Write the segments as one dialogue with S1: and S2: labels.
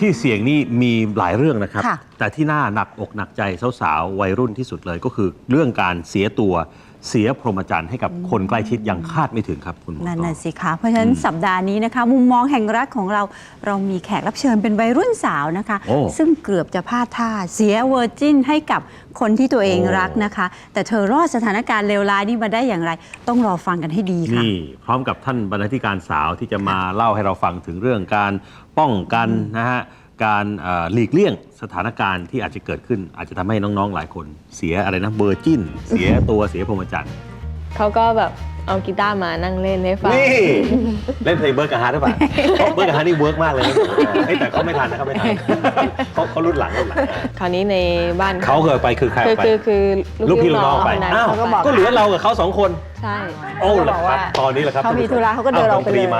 S1: ที่เสี่ยงนี่มีหลายเรื่องนะครับแต่ที่น่าหนักอกหนักใจสาวๆวัยรุ่นที่สุดเลยก็คือเรื่องการเสียตัวเสียพรหมจรรย์ให้กับคนใกล้ชิดอย่างคาดไม่ถึงครับคุณหมอนั่นน่ะ
S2: สิคะเพราะฉะนั้นสัปดาห์นี้นะคะมุมมองแห่งรักของเรามีแขกรับเชิญเป็นวัยรุ่นสาวนะคะซึ่งเกือบจะพลาดท่าเสียเวอร์จินให้กับคนที่ตัวเองรักนะคะแต่เธอรอดสถานการณ์เลวร้ายนี้มาได้อย่างไรต้องรอฟังกันให้ดีค่ะ
S1: นี่พร้อมกับท่านบรรณาธิการสาวที่จะมาเล่าให้เราฟังถึงเรื่องการป้องกันนะฮะการหลีกเลี่ยงสถานการณ์ที่อาจจะเกิดขึ้นอาจจะทำให้น้องๆหลายคนเสียอะไรนะเวอร์จินเสียตัวเสียพรหมจรรย์
S3: เขาก็แบบเอากีตาร์มานั่งเล่นให้ฟัง
S1: นี่เล่นเพลงเบิร์กกับฮาร์ดหรือเปล่าเบิร์กกับฮาร์ดนี่เวิร์กมากเลยแต่เขาไม่ทันนะครับไม่ทันเขารุ่นหลัง
S3: คราวนี้ในบ้าน
S1: เขาเคยไปคือใครไป
S3: คือ
S1: ลูกพี่ลูกน้องไปอ้าวก็เหลือเรากับเขา2 คน
S3: ใช่
S1: โอ้เหรอครับตอนนี้แหละครับ
S2: เขามีธุระเขาก็เดินออกไปเลย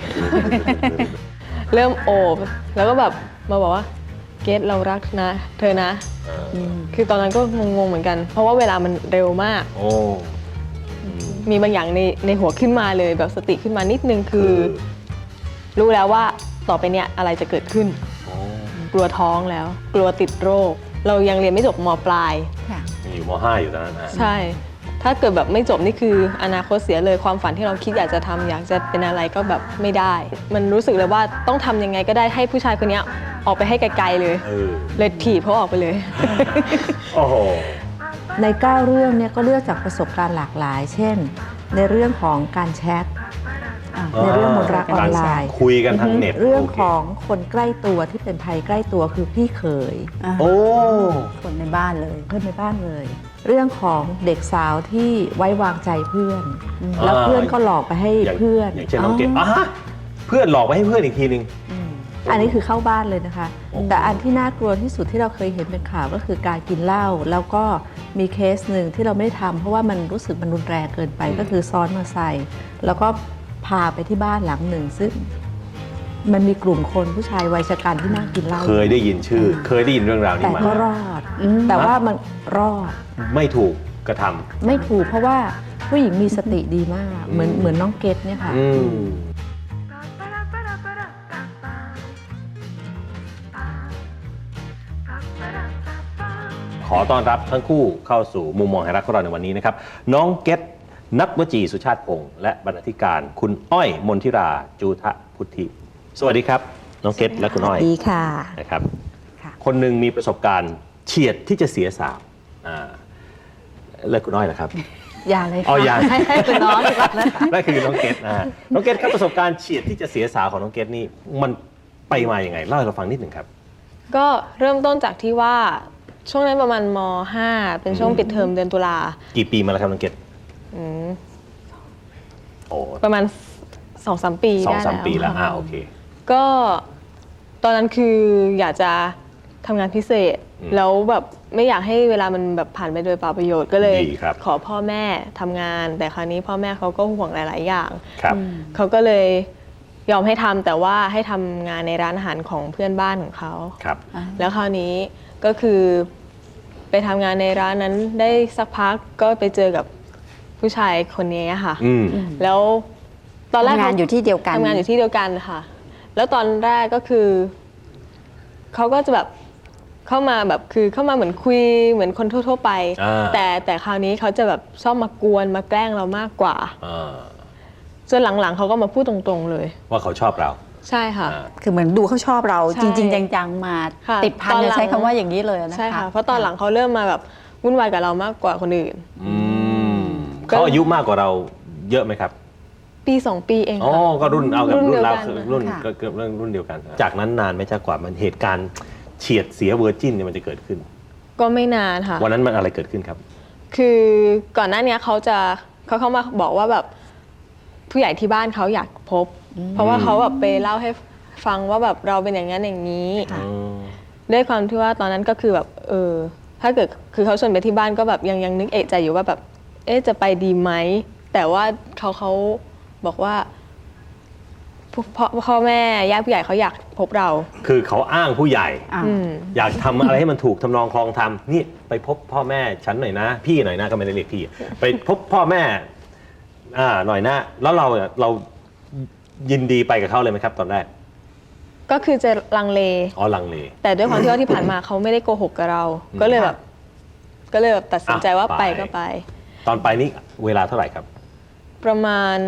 S3: เริ่มโอบแล้วก็แบบมาบอกว่าเกรทเรารักนะเธอนะคือตอนนั้นก็งงๆเหมือนกันเพราะว่าเวลามันเร็วมากมีบางอย่างในหัวขึ้นมาเลยแบบสติขึ้นมานิดนึงคือรู้แล้วว่าต่อไปเนี้ยอะไรจะเกิดขึ้นกลัวท้องแล้วกลัวติดโรคเรายังเรียนไม่จบม.ปลาย
S1: อยู่ม.5 อยู่ตอนนั้น
S3: ใช่ถ้าเกิดแบบไม่จบนี่คืออนาคตเสียเลยความฝันที่เราคิดอยากจะทำอยากจะเป็นอะไรก็แบบไม่ได้มันรู้สึกเลยว่าต้องทำยังไงก็ได้ให้ผู้ชายคนนี้ออกไปให้ไกลๆเลยเลยถีบเขาออกไปเลย
S1: โอ้โห
S4: ใน9 เรื่องเนี่ยก็เลือกจากประสบการณ์หลากหลายเช่นในเรื่องของการแชทในเรื่องมนต์รักออนไลน์
S1: คุยกันทางเน็ต
S4: เรื่องของคนใกล้ตัวที่เป็นภัยใกล้ตัวคือพี่เขย
S2: คนในบ้านเลย
S4: เพื่อนในบ้านเลยเรื่องของเด็กสาวที่ไว้วางใจเพื่อนแล้วเพื่อนก็หลอกไปให้เพื่อน
S1: อย่างเช่นน้องเกดเพื่อนหลอกไปให้เพื่อนอีกทีนึง
S4: อันนี้คือเข้าบ้านเลยนะคะแต่อันที่น่ากลัวที่สุดที่เราเคยเห็นเป็นข่าวก็คือการกินเหล้าแล้วก็มีเคสหนึ่งที่เราไม่ทำเพราะว่ามันรู้สึกมันรุนแรงเกินไปก็คือซ้อนมอเตอร์ไซค์แล้วก็พาไปที่บ้านหลังหนึ่งซึ่งมันมีกลุ่มคนผู้ชายวัยชราที่นั่งกินเหล้า
S1: เคยได้ยินชื่อเคยได้ยินเรื่องราวนี้มา
S4: แต่ก็รอดแต่ว่ามันรอด
S1: ไม่ถูกกระทำ
S4: ไม่ถูกเพราะว่าผู้หญิงมีสติดีมากเหมือนน้องเกดเนี่ยค่ะ
S1: ขอต้อนรับทั้งคู่เข้าสู่มุมมองแห่งรักของเราในวันนี้นะครับน้องเกดนักวจีสุชาติพงษ์และบรรณาธิการคุณอ้อยมนทิราจูทะพุทธิสวัสดีครับน้องเกดและคุณอ้อย
S2: ดีค่ะ
S1: นะครับคนหนึ่งมีประสบการณ์เฉียดที่จะเสียสาวและคุณอ้อยล่ะครับ
S4: อย่าเลย
S1: ค่ะอย่า
S4: ให้เป็นน้องดีกว่านะคะ
S1: นั่นคือน้องเกดน้องเกดครับประสบการณ์เฉียดที่จะเสียสาวของน้องเกดนี่มันไปมาอย่างไงเล่าให้เราฟังนิดหนึ่งครับ
S3: ก็เริ่มต้นจากที่ว่าช่วงนั้นประมาณม.5 เป็นช่วงปิดเทอมเดือนตุลา
S1: กี่ปีมาแล้วครับน้องเกด
S3: ประมาณ 2-3 ปีได้แล้ว
S1: 2-3 ปีแล้วโอเค
S3: ก็ตอนนั้นคืออยากจะทำงานพิเศษแล้วแบบไม่อยากให้เวลามันแบบผ่านไปโดยเปล่าประโยชน์ก็เลยขอพ่อแม่ทำงานแต่คราวนี้พ่อแม่เขาก็ห่วงหลายๆอย่างเขาก็เลยยอมให้ทำแต่ว่าให้ทำงานในร้านอาหารของเพื่อนบ้านของเขาแล้วคราวนี้ก็คือไปทำงานในร้านนั้นได้สักพักก็ไปเจอกับผู้ชายคนนี้ค่ะแล้วตอนแรก
S2: ทำงานอยู่ที่เดียวกัน
S3: ทำงานอยู่ที่เดียวกันค่ะแล้วตอนแรกก็คือเขาก็จะแบบเข้ามาแบบคือเข้ามาเหมือนคุยเหมือนคนทั่วๆไปแต่คราวนี้เขาจะแบบชอบมากวนมาแกล้งเรามากกว่าจนหลังๆเขาก็มาพูดตรงๆเลย
S1: ว่าเขาชอบเรา
S3: ใช่ค่ะ
S2: คือเหมือนดูเขาชอบเราจริงๆจังๆมาติดพันจะใช้คำว่าอย่างนี้เลยนะคะ
S3: ใช่ค่ะเพราะตอนหลังเขาเริ่มมาแบบวุ่นวายกับเรามากกว่าคนอื่น
S1: เขาอายุมากกว่าเราเยอะไหมครับ
S3: ปี 2 ปีเอง
S1: ก็รุ่นเอากับรุ่นเรารุ่นก็เกือบรุ่นเดียวกันจากนั้นนานไหมจากกว่ามันเหตุการณ์เฉียดเสียเวอร์จินเนี่ยมันจะเกิดขึ้น
S3: ก็ไม่นานค่ะ
S1: วันนั้นมันอะไรเกิดขึ้นครับ
S3: คือก่อนหน้านี้เขาเข้ามาบอกว่าแบบผู้ใหญ่ที่บ้านเขาอยากพบเพราะว่าเขาแบบไปเล่าให้ฟังว่าแบบเราเป็นอย่างนั้นอย่างนี้ด้วยความที่ว่าตอนนั้นก็คือแบบถ้าเกิดคือเขาชวนไปที่บ้านก็แบบยังนึกเอะใจอยู่ว่าแบบจะไปดีไหมแต่ว่าเขาบอกว่าพ่อแม่ญาติผู้ใหญ่เขาอยากพบเรา
S1: คือเขาอ้างผู้ใหญ่อยากทำอะไรให้มันถูกทำนองคลองธรรมนี่ไปพบพ่อแม่ฉันหน่อยนะพี่หน่อยนะก็ไม่ได้เรียกพี่ไปพบพ่อแม่หน่อยนะแล้วเรายินดีไปกับเขาเลยไหมครับตอนแรก
S3: ก็คือจะลังเล
S1: อ๋อลังเล
S3: แต่ด้วยความที่ว่าที่ผ่านมาเขาไม่ได้โกหกกับเรา ก็เลยแบบตัดสินใจว่า
S1: อ่ะ
S3: ไป
S1: ไป
S3: ก็ไป
S1: ตอนไปนี่เวลาเท่าไหร่ครับ
S3: ประมาณ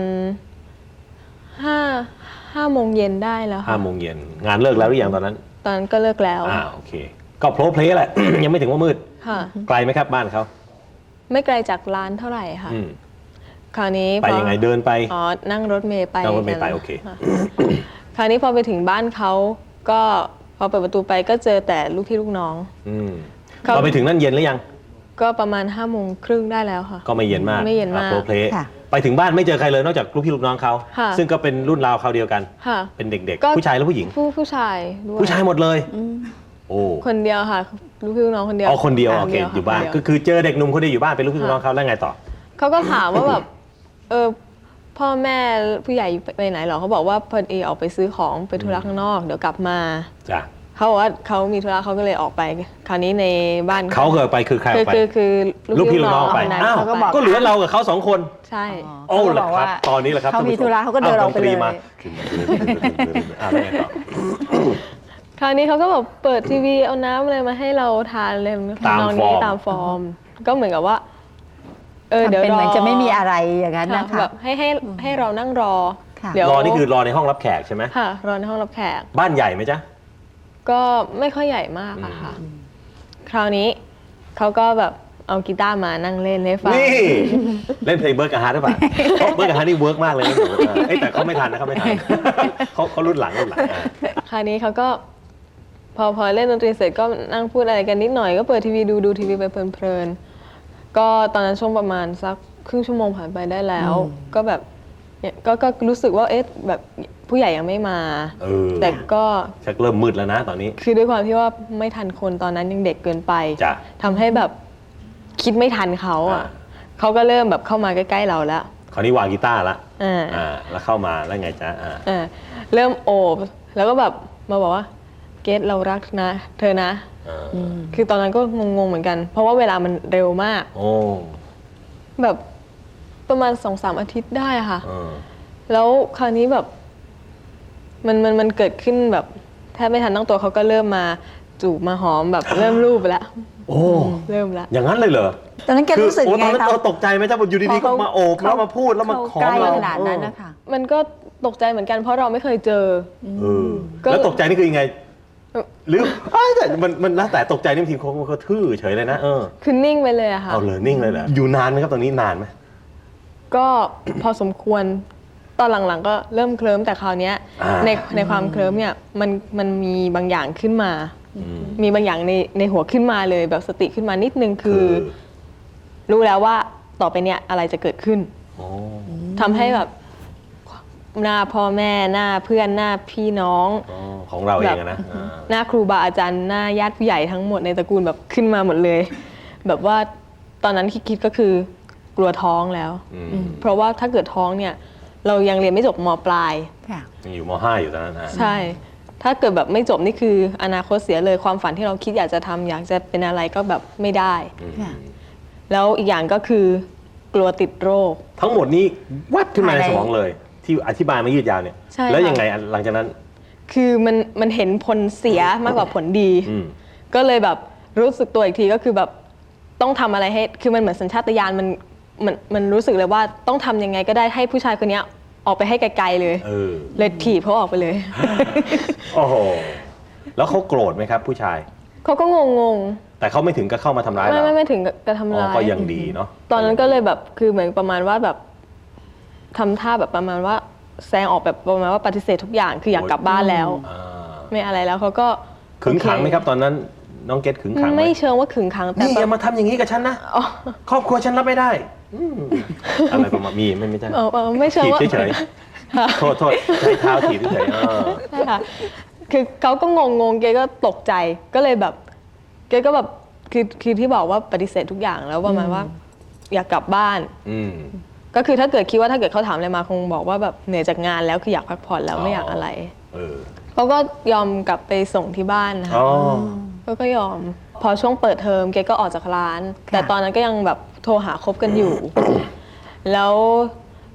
S3: 5 โมงเย็นได้แล้วค่ะ
S1: 5 โมงเย็นงานเลิกแล้วหรือยังตอนนั้น
S3: ตอนนั้นก็เลิกแล้ว
S1: โอเคก็โพลเพลย์แหละ ยังไม่ถึงว่ามืด
S3: ค่ะ
S1: ไกลไหมครับบ้านเขา
S3: ไม่ไกลจากร้านเท่าไหร่ค่ะ
S1: อืม
S3: คราวนี้
S1: ไปยังไงเดินไป
S3: อ๋อนั่งรถเมล์ไป
S1: นั่งรถเมล์ไป
S3: กัน
S1: โอเค
S3: ะคราวนี้พอไปถึงบ้านเขาก็พอเปิดประตูไปก็เจอแต่ลูกพี่ลูกน้อง
S1: อืม
S3: เขา
S1: เราไปถึงนั่นเย็นหรือยัง
S3: ก็ประมาณ5 โมงครึ่งได้แล้วค่ะ
S1: ก็ไม่เย็นมาก
S3: ไม่เย็นมาก
S1: โพลเพลย์
S2: ค่ะ
S1: ไปถึงบ้านไม่เจอใครเลยนอกจากลูกพี่ลูกน้องเขา
S3: ค่ะ
S1: ซึ่งก็เป็นรุ่นราวเขาวเดียวกัน
S3: ค่ะ
S1: เป็นเด็ก
S3: ก็
S1: ๆ ผู้ชายและผู้หญิง
S3: ผู้ชายด้วย
S1: ผู้ชายหมดเลย โอ้
S3: คนเดียวค่ะลูกพี่ลูกน้องคนเดียว
S1: อ๋อคนเดียวโอเค
S3: ค่ะ
S1: อยู่บ้าน
S3: คเดีว
S1: ก็คือเจอเด็กหนุ่มคนเดียวอยู่บ้านเป็นลูกพี่ลูกน้องเขาแล้วไงต่อ
S3: เขาก็ถามว่าแบบพ่อแม่ผู้ใหญ่ไปไหนหรอเขาบอกว่าพอดีออกไปซื้อของไปธุระข้างนอกเดี๋ยวกลับมา
S1: จ้ะ
S3: เขาบอกว่าเขามีธุระเขาก็เลยออกไป คราวนี้ในบ้าน
S1: เขาเกิดไปคือใครออกไป
S3: คือ
S1: ลูกพี่ลูกน้องไป
S3: คนนั้น
S1: อ้าว
S3: เขาก็บอก
S1: ก็เหลือเรากับเขา2 คน
S3: ใช่
S1: โอ้เหรอครับตอนนี้แหละครับ
S2: เขามีธุระเขาก็เดินออกไปเลย
S1: ดนตรีมาแล้วไงต่อ
S3: คราวนี้เขาก็แบบเปิดทีวีเอาน้ำอะไรมาให้เราทานเลย
S1: ตาม
S3: ทำนอง
S1: ฟอ
S3: นี้
S1: ร์ม
S3: ตามฟอร์ม ก็เหมือนกับว่าเดี๋ยว
S2: ทำเป็น
S3: รอ
S2: เหมือนจะไม่มีอะไรอย่างนั้นนะคะ
S3: แบบให้เรานั่งรอ
S2: ค่ะ
S3: เดี๋ยว
S1: รอนี่คือรอในห้องรับแขกใช่ไหม
S3: ค่ะรอในห้องรับแขก
S1: บ้านใหญ่ไหมจ๊ะ
S3: ก็ไม่ค่อยใหญ่มากอะค่ะ คราวนี้เขาก็แบบเอากีตาร์มานั่งเล่นให้ฟัง
S1: นี่ เล่นเพลงเบิร์กกับฮาร์ดหรือเปล่าเบิร์กกับฮาร์ดนี่เวิร์กมากเลยนะเอ้ยแต่เขาไม่ทันนะเขาไม่ทันเขารุ่นหลังอ่ะ
S3: คราวนี้เขาก็พอเล่นดนตรีเสร็จก็นั่งพูดอะไรกันนิดหน่อยก็เปิดทีวีดูทีวีไปเพลินๆก็ตอนนั้นช่วงประมาณสักครึ่งชั่วโมงผ่านไปได้แล้ว ก็แบบเนี่ยก็รู้สึกว่าเอ๊ะแบบผู้ใหญ่ยังไม่มา แต่ก็
S1: ชักเริ่มมืดแล้วนะตอนนี้
S3: คือด้วยความที่ว่าไม่ทันคนตอนนั้นยังเด็กเกินไป
S1: จ้ะ
S3: ทำให้แบบคิดไม่ทันเขาอ่ะเขาก็เริ่มแบบเข้ามาใกล้ๆเราแล้ว
S1: คราวนี้วางกีตาร์ละ
S3: อ่า
S1: แล้วเข้ามาแล้วไงจ๊ะ
S3: เริ่มโอบแล้วก็แบบมาบอกว่าเกรทเรารักนะ เธอนะ คือตอนนั้นก็งงๆเหมือนกัน เพราะว่าเวลามันเร็วมาก
S1: โอ้
S3: แบบประมาณ 2-3 อาทิตย์ได้ค่ะ
S1: เออ
S3: แล้วคราวนี้แบบมันเกิดขึ้นแบบแทบไม่ทันตั้งตัวเขาก็เริ่มมาจูบมาหอมแบบเริ่มรูปแล้ว
S1: โอ้
S3: เริ่มแล้ว
S1: อย่างนั้นเลยเหรอ
S2: ตอนนั้นแกรู้สึก
S1: โอ้
S2: ไง
S1: ตอนนั้น
S2: ครับ
S1: เราตกใจไหมจ๊ะอยู่ดีๆก็มาโอบแล้วมาพูดแล้วมาขอ
S2: ใกล้
S1: เรา
S2: ขนาดนั้นนะคะ
S3: มันก็ตกใจเหมือนกันเพราะเราไม่เคยเจอ ก็
S1: แล้วตกใจนี่คือยังไง หรือแต่มันแล้วแต่ตกใจนี่บางทีเขาทื่อเฉยเลยนะ
S3: คือนิ่งไปเลยอะค่ะ
S1: เอาเลยนิ่งเลยเหรออยู่นานไหมครับตอนนี้นานไหม
S3: ก็พอสมควรตอนหลังๆก็เริ่มเคลิ้มแต่คราวเนี้ยในความเคลิ้มเนี่ยมันมีบางอย่างขึ้นมา มีบางอย่างในหัวขึ้นมาเลยแบบสติขึ้นมานิดนึงคือ รู้แล้วว่าต่อไปเนี่ยอะไรจะเกิดขึ้นทำให้แบบหน้าพ่อแม่หน้าเพื่อนหน้าพี่น้อง
S1: ของเราเองนะ
S3: หน้าครูบาอาจารย์หน้าญาติผู้ใหญ่ทั้งหมดในตระกูลแบบขึ้นมาหมดเลย แบบว่าตอนนั้นคิดก็คือกลัวท้องแล้วเพราะว่าถ้าเกิดท้องเนี่ยเรายังเรียนไม่จบม.ปลาย
S1: ยังอยู่ม.5 อยู่ตอนนั้นนะ
S3: ใช่ ถ้าเกิดแบบไม่จบนี่คืออนาคตเสียเลยความฝันที่เราคิดอยากจะทำอยากจะเป็นอะไรก็แบบไม่ได้ แล้วอีกอย่างก็คือกลัวติดโรค
S1: ทั้งหมดนี้วัดขึ้นมาในสมองเลย ที่อธิบายมายืดยาวเนี่ย
S3: ใช่
S1: แล้วยังไงหลังจากนั้น
S3: คือมันเห็นผลเสียมากกว่าผลดี ก็เลยแบบรู้สึกตัวอีกทีก็คือแบบต้องทำอะไรให้คือมันเหมือนสัญชาตญาณมันรู้สึกเลยว่าต้องทำยังไงก็ได้ให้ผู้ชายคนนี้ออกไปให้ไกลๆเลยเลยถีบเขาออกไปเลย
S1: โอ้โหแล้วเขาโกรธไหมครับ ผู้ชาย
S3: เขาก็งง
S1: แต่เขาไม่ถึงกับเข้ามาทำร้าย
S3: ๆ
S1: เรา
S3: ไม่ถึงกับทำร้าย
S1: ก็ยังดีเนาะ
S3: ตอนนั้นก็เลยแบบคือเหมือนประมาณว่าแบบทำท่าแบบประมาณว่าแซงออกแบบประมาณว่าปฏิเสธทุกอย่างคืออยากกลับบ้านแล้ว ไม่อะไรแล้วเขาก็
S1: ขึงขังไหมครับตอนนั้นน้องเกดขึงขังไหม
S3: ไม่เชิงว่าขึงขังแต่
S1: นี่อย่ามาทำอย่างนี้กับฉันนะครอบครัวฉันรับไม่ได้อะไรประมาณไม่ใช่
S3: ไม่เชิง
S1: ถีบ
S3: ว่า
S1: เฉยๆโทษใช้เท้าถีบเฉยๆ
S3: ใช่ค่ะคือเขาก็งงเกก็ตกใจก็เลยแบบเกก็แบบคือที่บอกว่าปฏิเสธทุกอย่างแล้วประมาณว่าอยากกลับบ้านก็คือถ้าเกิดคิดว่าถ้าเกิดเขาถามอะไรมาคงบอกว่าแบบเหนื่อยจากงานแล้วคืออยากพักผ่อนแล้วไม่อยากอะไรเขาก็ยอมกลับไปส่งที่บ้านนะคะก็ยอมพอช่วงเปิดเทอมเกก็ออกจากร้านแต่ตอนนั้นก็ยังแบบโทรหาคบกันอยู่ แล้ว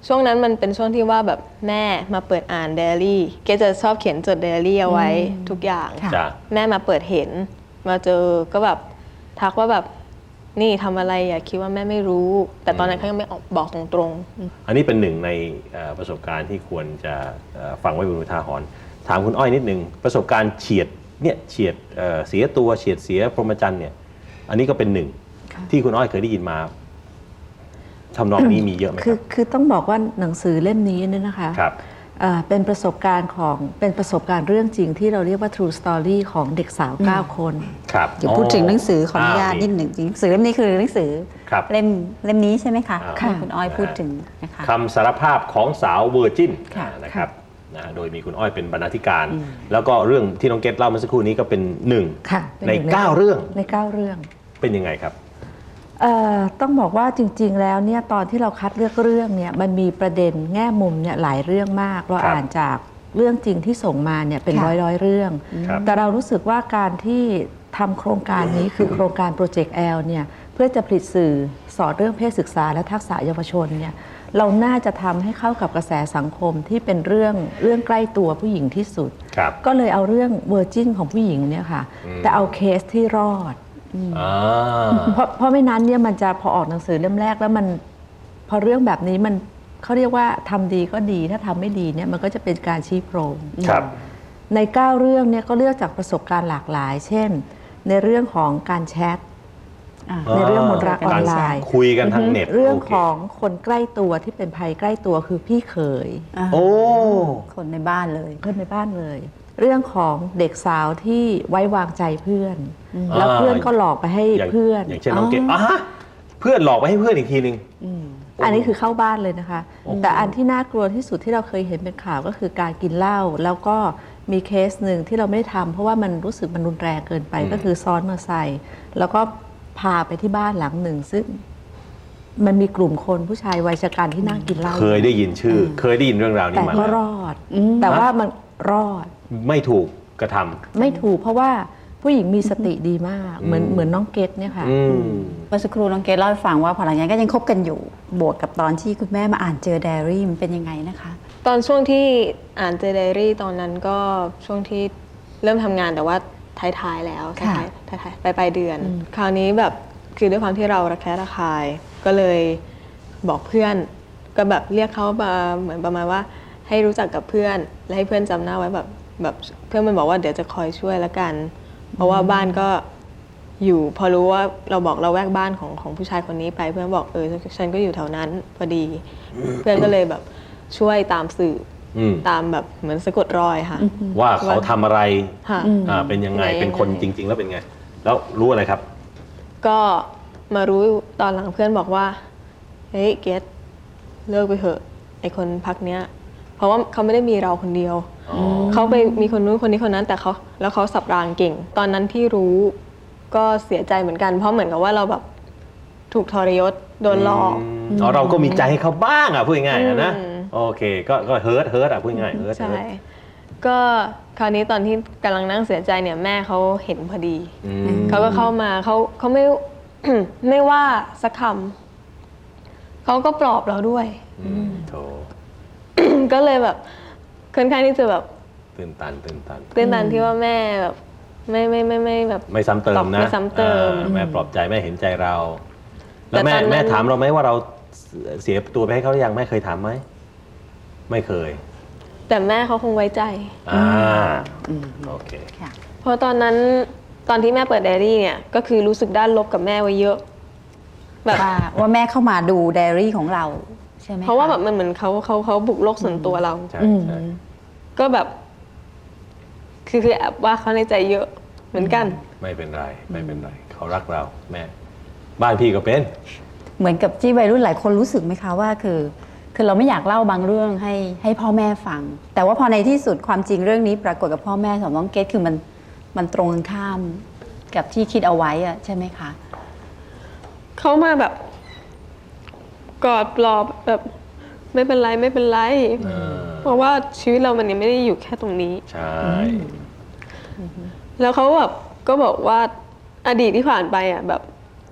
S3: ช่วงนั้นมันเป็นช่วงที่ว่าแบบแม่มาเปิดอ่านไดอารี่เกจะชอบเขียนจดไดอารี่เอาไว้ทุกอย่าง
S2: ค่ะ
S1: จ้ะ
S3: แม่มาเปิดเห็นมาเจอก็แบบทักว่าแบบนี่ทำอะไรอย่าคิดว่าแม่ไม่รู้ แต่ตอนนั้นเขายังไม่บอกตรง
S1: อันนี้เป็นหนึ่งในประสบการณ์ที่ควรจะฟังไว้เป็นอุทาหรณ์ถามคุณอ้อยนิดนึงประสบการณ์เฉียดเสียตัวเฉียดเสียพรหมจรรย์เนี่ยอันนี้ก็เป็นหนึ่งที่คุณอ้อยเคยได้ยินมาทำนองนี้มีเยอะไหมครับ
S4: คือต้องบอกว่าหนังสือเล่มนี้เนี่ยนะคะ
S1: ครับ
S4: เป็นประสบการณ์เรื่องจริงที่เราเรียกว่า true story ของเด็กสาว 9 คน
S1: ครับ
S2: เดี๋ยวพูดถึงหนังสือขออนุญาตนิดหนึ่งหนังสือเล่มนี้คือหนังสือ
S1: ครับ
S2: เล่มนี้ใช่ไหมคะ
S1: ค่ะ
S2: ที่คุณอ้อยพูดถึงนะคะ
S1: คำสารภาพของสาวเวอร์จิน
S2: ค่ะ
S1: นะครับโดยมีคุณอ้อยเป็นบรรณาธิการ แล้วก็เรื่องที่น้องเกตเล่าเมื่อสักครู่นี้ก็เป็นหนึ่ง
S4: ค่ะเป็น
S1: ใน
S4: หนึ่ง
S1: 9 เรื่อง
S4: ใน 9 เรื่อง
S1: เป็นยังไงครับ
S4: ต้องบอกว่าจริงๆ แล้วเนี่ยตอนที่เราคัดเลือกเรื่องเนี่ยมันมีประเด็นแง่มุมเนี่ยหลายเรื่องมาก เรา
S1: ครับ
S4: อ่านจากเรื่องจริงที่ส่งมาเนี่ยเป็น
S2: ค่ะ
S4: ร้อยเรื่อง
S1: ครับ
S4: แต่เรารู้สึกว่าการที่ทำโครงการนี้คือโครงการโปรเจกต์ L เนี่ยเพื่อจะผลิตสื่อสอนเรื่องเพศศึกษาและทักษะเยาวชนเนี่ยเราน่าจะทำให้เข้ากับกระแสสังคมที่เป็นเรื่องใกล้ตัวผู้หญิงที่สุด
S1: ครับ
S4: ก็เลยเอาเรื่องเวอร์จินของผู้หญิงเนี่ยค่ะแต่เอาเคสที่รอด
S1: อ่า
S4: เพราะไม่นั้นเนี่ยมันจะพอออกหนังสือเล่มแรกแล้วมันพอเรื่องแบบนี้มันเขาเรียกว่าทำดีก็ดีถ้าทำไม่ดีเนี่ยมันก็จะเป็นการชี้โพรง
S1: ครับ
S4: ใน 9 เรื่องเนี่ยก็เลือกจากประสบการณ์หลากหลาย เช่น ในเรื่องของการแชท ในเรื่องมนต์รักออนไลน์
S1: คุยกันทางเน็ต
S4: เรื่อง
S1: โค
S4: ของคนใกล้ตัวที่เป็นภัยใกล้ตัวคือพี่เขย
S1: โอ้
S2: คนในบ้านเลย
S4: เพื่อนในบ้านเลย เรื่องของเด็กสาวที่ไว้วางใจเพื่อน แล้วเพื่อนก็หลอกไปให้
S1: อย่าง
S4: เพื่อน
S1: อย่างเช่นน้องเกตฮะเพื่อนหลอกไปให้เพื่อนอีกทีนึง
S4: อันนี้คือเข้าบ้านเลยนะคะ แต่อันที่น่ากลัวที่สุดที่เราเคยเห็นเป็นข่าวก็คือการกินเหล้าแล้วก็มีเคสหนึ่งที่เราไม่ทำเพราะว่ามันรู้สึกมันรุนแรงเกินไปก็คือซ้อนมอเตอร์ไซค์แล้วก็พาไปที่บ้านหลังหนึ่ง ซึ่งมันมีกลุ่มคนผู้ชายวัยชกันที่นั่งกินเหล้า
S1: เคยได้ยินชื่อ เคยได้ยินเรื่องราวนี้
S4: แต่
S1: มา
S4: ก็รอด แต่ว่ามันรอด
S1: ไม่ถูกกระทำ
S4: ไม่ถูกเพราะว่าผู้หญิงมีสติดีมากเหมือนน้องเกดเนี่ยค่ะ
S1: อืม
S2: เมื่อสักครู่น้องเกดเล่าให้ฟังว่าพอหลังจากนั้นก็ยังคบกันอยู่ บวกกับตอนที่คุณแม่มาอ่านเจอไดอารี่มันเป็นยังไงนะคะ
S3: ๆ ตอนช่วงที่อ่านเจอไดอารี่ตอนนั้นก็ช่วงที่เริ่มทำงานแต่ว่าท้ายๆแล้ว
S2: ค่ะ
S3: ท้ายปลายเดือน คราวนี้แบบคือด้วยความที่เราระแคะระคาย ก็เลยบอกเพื่อนก็แบบเรียกเขามาเหมือนประมาณว่าให้รู้จักกับเพื่อนและให้เพื่อนจำหน้าไว้แบบเพื่อนมันบอกว่าเดี๋ยวจะคอยช่วยละกัน เพราะว่าบ้านก็อยู่พอรู้ว่าเราบอกเราแวกบ้านของผู้ชายคนนี้ไปเพื่อนบอกฉันก็อยู่แถวนั้นพอดี เพื่อนก็เลยแบบช่วยตามสื่ออ
S1: ม
S3: ตามแบบเหมือนสะกดรอยค่ะ
S1: ว่าเขาทำอะไร
S3: ค่ะ
S1: เป็นยังไง
S3: ยังไง
S1: เป็นคนจริง ๆ แล้วเป็นไง แล้วรู้อะไรครับ
S3: ก็มารู้ตอนหลังเพื่อนบอกว่าเฮ้ยเกตเลิกไปเถอะไอคนพักเนี้ย เพราะว่าเขาไม่ได้มีเราคนเดียว เขาไปมีคนนู้นคนนี้คนนั้นแต่เขาสับรางเก่ง ตอนนั้นที่รู้ก็เสียใจเหมือนกัน เพราะเหมือนกับว่าเราแบบถูกทรยศโดนหลอก
S1: เราก็มีใจให้เขาบ้างพูดง่ายๆนะ
S3: อืม
S1: โอเค ก็เฮิร์ตพูดง่ายเฮิร์ต
S3: ใช่ ก็คราวนี้ตอนที่กำลังนั่งเสียใจเนี่ยแม่เขาเห็นพอดี เขาก็เข้ามาเขาไม่ ไม่ว่าสักคำเขาก็ปลอบเราด้วย
S1: โถ
S3: ก็เลยแบบค่อนข้างที่จะแบบ
S1: ตื่นตัน
S3: ตื้นตันที่ว่าแม่แบบไม่แบบ
S1: ไม่ซ้ำเติมนะ
S3: ไม่ซ้ำเติม
S1: แม่ปลอบใจแม่เห็นใจเรา แล้ว
S3: แต่ตอนนั้น
S1: แม่ถามเราไหมว่าเราเสียตัวไปให้เขาหรือยังแม่เคยถามไหมไม่เคย
S3: แต่แม่เขาคงไว้ใจ
S1: โอเค
S2: ค่ะ
S3: เพราะตอนนั้นตอนที่แม่เปิดไดอารี่เนี่ยก็คือรู้สึกด้านลบกับแม่ไว้เยอะ แบบ
S2: ว่าแม่เข้ามาดูไดอารี่ของเราใช่ไหมค
S3: เพราะว่าแบบมันเหมือนเขาบุกโลกส่วนตัวเรา
S1: ใช่ใช่
S3: ก็แบบ คือแอบว่าเขาในใจเยอะเหมือนกัน
S1: ไม่เป็นไรเขารักเราแม่ บ้านพี่ก็เป็น
S2: เหมือนกับที่วัยรุ่นหลายคนรู้สึกไหมคะว่าคือเราไม่อยากเล่าบางเรื่องให้พ่อแม่ฟัง แต่ว่าพอในที่สุดความจริงเรื่องนี้ปรากฏกับพ่อแม่ของน้องเกดคือมันตรงกันข้ามกับที่คิดเอาไว้อะใช่ไหมคะ
S3: เขามาแบบกอดปลอบแบบไม่เป็นไรเพราะว่าชีวิตเรามันยังไม่ได้อยู่แค่ตรงนี้
S1: ใช่
S3: แล้วเขาแบบก็บอกว่าอดีตที่ผ่านไปอ่ะแบบ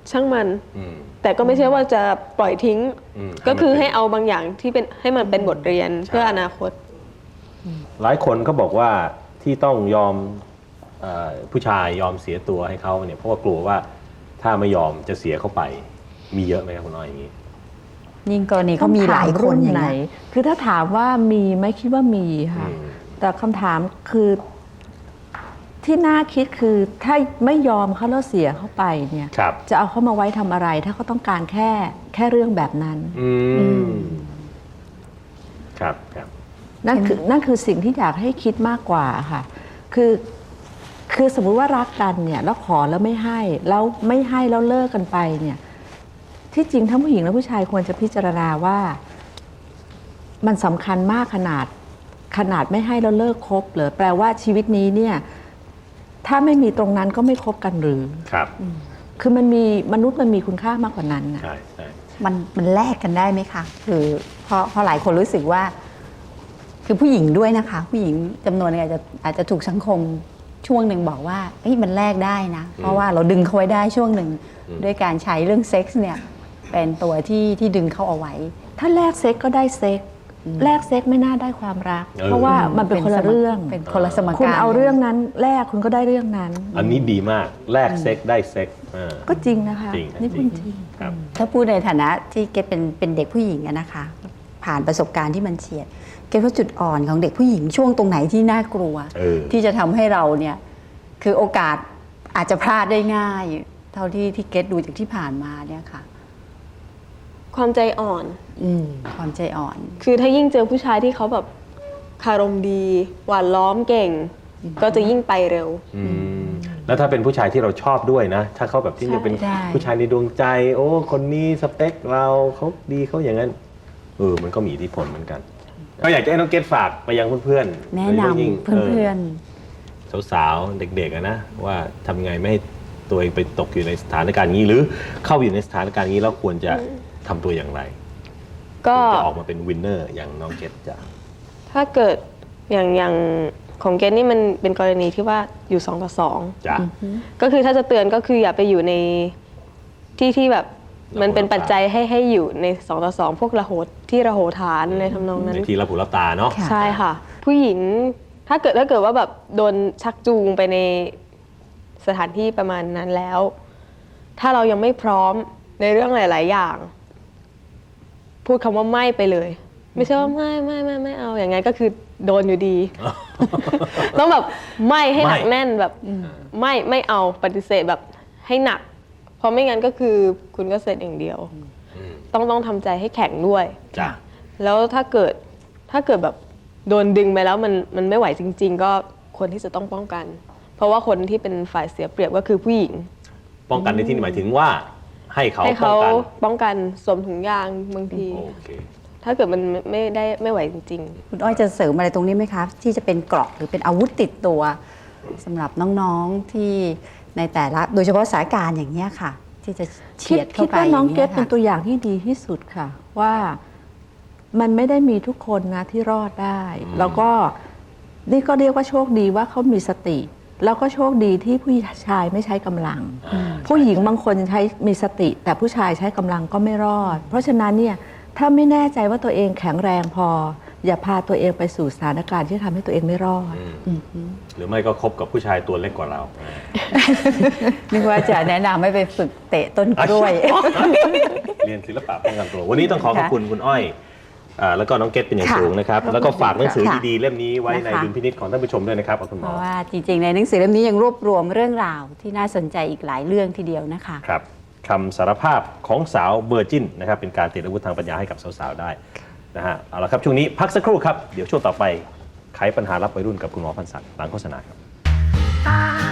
S3: ช่างมัน
S1: อืม
S3: แต่ก็ไม่ใช่ว่าจะปล่อยทิ้ง
S1: อืม
S3: ก็คือให้เอาบางอย่างที่เป็นให้มันเป็นบทเรียนเพื่ออนาคต
S1: หลายคนก็บอกว่าที่ต้องยอมผู้ชายยอมเสียตัวให้เขาเนี่ยเพราะว่ากลัวว่าถ้าไม่ยอมจะเสียเขาไปมีเยอะไหมครับคุณน้อยอย่างนี้
S2: ยิ่งกรณีเขามีหลายคนอย่าง
S4: ไหน
S2: นี้ย
S4: คือถ้าถามว่ามีไหมคิดว่ามีค่ะ
S1: อืม
S4: แต่คำถามคือที่น่าคิดคือถ้าไม่ยอมเขาแล้วเสียเข้าไปเนี่ย
S1: ครับ
S4: จะเอาเขามาไว้ทำอะไร ถ้าเขาต้องการแค่เรื่องแบบนั้น
S1: อืมครับครับ
S4: นั่นคือสิ่งที่อยากให้คิดมากกว่าค่ะคือสมมุติว่ารักกันเนี่ยแล้วขอแล้วไม่ให้แล้วเลิกกันไปเนี่ยที่จริงทั้งผู้หญิงและผู้ชายควรจะพิจารณาว่ามันสำคัญมากขนาดไม่ให้แล้วเลิกคบเหรือแปลว่าชีวิตนี้เนี่ยถ้าไม่มีตรงนั้นก็ไม่คบกันหรือ
S1: ครับ
S4: คือมนุษย์มันมีคุณค่ามากกว่านั้นนะ
S1: ใช่ใช่
S2: มันแลกกันได้ไหมคะคือพอหลายคนรู้สึกว่า คือผู้หญิงด้วยนะคะ ผู้หญิงจำนวนหนึงอาจจะถูกสังคมช่วงหนึ่งบอกว่าเฮ้ยมันแลกได้นะ เพราะว่าเราดึงเขาไว้ได้ช่วงหนึ่งด้วยการใช้เรื่องเซ็กส์เนี่ยเป็นตัวที่ดึงเขาเอาไว้
S4: ถ้าแลกเซ็กก็ได้เซ็กแลกเซ็กไม่น่าได้ความรัก เพราะว่ามันเป็นคนละเรื่อง
S2: เป็นคนละสมการ
S4: คุณเอาเรื่องนั้นแลกคุณก็ได้เรื่องนั้น
S1: อันนี้ดีมากแลกเซ็กได้เซ็ก
S4: ก็จริงนะคะ
S1: จริงนะ
S4: นี่พูดจริง
S1: ครับ
S2: ถ้าพูดในฐานะที่เกดเป็นเด็กผู้หญิงอะนะคะ ผ่านประสบการณ์ที่มันเฉียดเกดว่าจุดอ่อนของเด็กผู้หญิงช่วงตรงไหนที่น่ากลัว ที่จะทำให้เราเนี่ยคือโอกาสอาจจะพลาดได้ง่าย เท่าที่เกดดูจากที่ผ่านมาเนี่ยค่ะ
S3: ความใจอ่อน
S2: ความใจอ่อน
S3: คือถ้ายิ่งเจอผู้ชายที่เขาแบบคารมดี หวานล้อมเก่ง ก็จะยิ่งไปเร็ว
S1: แล้วถ้าเป็นผู้ชายที่เราชอบด้วยนะ ถ้าเขาแบบที่จะเป็น
S2: ใช่
S1: ผู้ชายในดวงใจ โอ้คนนี้สเปคเราเขาดีเขาอย่างนั้นมันก็มีอิทธิพลเหมือนกัน ก็อยากจะให้น้องเกดฝากไปยังเพื่อนๆ
S2: แนะ
S1: โดยเฉ
S2: น
S1: พาะยิ่ง
S2: ำเพื่อน
S1: สาวๆเด็กๆอะนะว่าทำไงไม่ให้ตัวเองไปตกอยู่ในสถานการณ์นี้ หรือเข้าอยู่ในสถานการณ์นี้แล้วควรจะทำตัวอย่างไร
S3: ก็
S1: จะออกมาเป็นวินเนอร์อย่างน้องเกดจะ
S3: ถ้าเกิดอย่างของเกณฑ์นี่มันเป็นกรณีที่ว่าอยู่2 ต่อ
S1: จ้ะ
S3: 2ก็คือถ้าจะเตือนก็คืออย่าไปอยู่ในที่แบบมันเป็นปัจจัยให้อยู่ใน2 ต่อ 2พวกระโหฐานในทำนองนั้น
S1: ในที่รับหูรับตาเนาะ
S2: ค่ะ
S3: ใช่ค่ะ ผู้หญิงถ้าเกิดว่าแบบโดนชักจูงไปในสถานที่ประมาณนั้นแล้ว ถ้าเรายังไม่พร้อมในเรื่องหลาย ๆ อย่าง พูดคำว่าไม่ไปเลย ไม่ใช่ว่าไม่เอาอย่างงั้นก็คือโดนอยู่ดี ต้องแบบไม่ให้หนักแน่นแบบไม่เอาปฏิเสธแบบให้หนัก เพราะไม่งั้นก็คือคุณก็เสร็จอย่างเดียว ต้องทำใจให้แข็งด้วย
S1: จ้ะ
S3: แล้วถ้าเกิดแบบโดนดึงไปแล้วมันไม่ไหวจริง ๆ ก็ควรที่จะต้องป้องกัน เพราะว่าคนที่เป็นฝ่ายเสียเปรียบก็คือผู้หญิง
S1: ป้องกันในที่นี้หมายถึงว่าให้เขา
S3: ให้
S1: ป้อ
S3: เขา
S1: งกัน
S3: ป้องกันสวมถุงยางบางที
S1: โอเค
S3: ถ้าเกิดมันไม่ไหวจริง
S2: ๆ คุณอ้อยจะเสริมอะไรตรงนี้ไหมคะ ที่จะเป็นเกราะหรือเป็นอาวุธติดตัวสำหรับน้องๆที่ในแต่ละโดยเฉพาะสถานการณ์อย่างนี้ยค่ะ ที่จะเฉียดเข้า
S4: คิด
S2: ไป
S4: ว่าน้องเกด
S2: ย่า
S4: เป็น
S2: ย
S4: ตัวอย่างที่ดีที่สุดค่ะ ว่ามันไม่ได้มีทุกคนนะที่รอดได้ แล้วก็นี่ก็เรียกว่าโชคดีว่าเขามีสติ แล้วก็โชคดีที่ผู้ชายไม่ใช้กำลัง ผู้หญิงบางคนใช้มีสติ แต่ผู้ชายใช้กำลังก็ไม่รอด เพราะฉะนั้นเนี่ยถ้าไม่แน่ใจว่าตัวเองแข็งแรงพอ อย่าพาตัวเองไปสู่สถานการณ์ที่ทำให้ตัวเองไม่รอด
S1: หรือไม่ก็คบกับผู้ชายตัวเล็กกว่าเรา
S2: นึกว่าจะแนะนำให้ไปฝึกเตะต้นกล้วย
S1: เรียนศิลปะป้องกันตัว วันนี้ต้องขอขอบคุณคุณอ้อยแล้วก็น้องเกดเป็นอย่าง
S2: ค่ะ
S1: สูงนะครับ แล้วก็ฝากหนังสือ
S2: ค่ะ
S1: ดีๆเล่มนี้ไว้ใน
S2: นะคะ
S1: ดุลพินิจของท่านผู้ชมด้วยนะครับคุณห
S2: เพ
S1: มอ
S2: ราะว่าจริงๆ ในหนังสือเล่มนี้ยังรวบรวมเรื่องราวที่น่าสนใจอีกหลายเรื่องทีเดียวนะคะ
S1: ครับคำสารภาพของสาวเวอร์จินนะครับเป็นการติดอาวุธทางปัญญาให้กับสาวๆได้นะฮะเอาละครับช่วงนี้พักสักครู่ครับเดี๋ยวช่วงต่อไปไขปัญหารับวัยรุ่นกับคุณหมอพันศักดิ์หลังโฆษณาครับ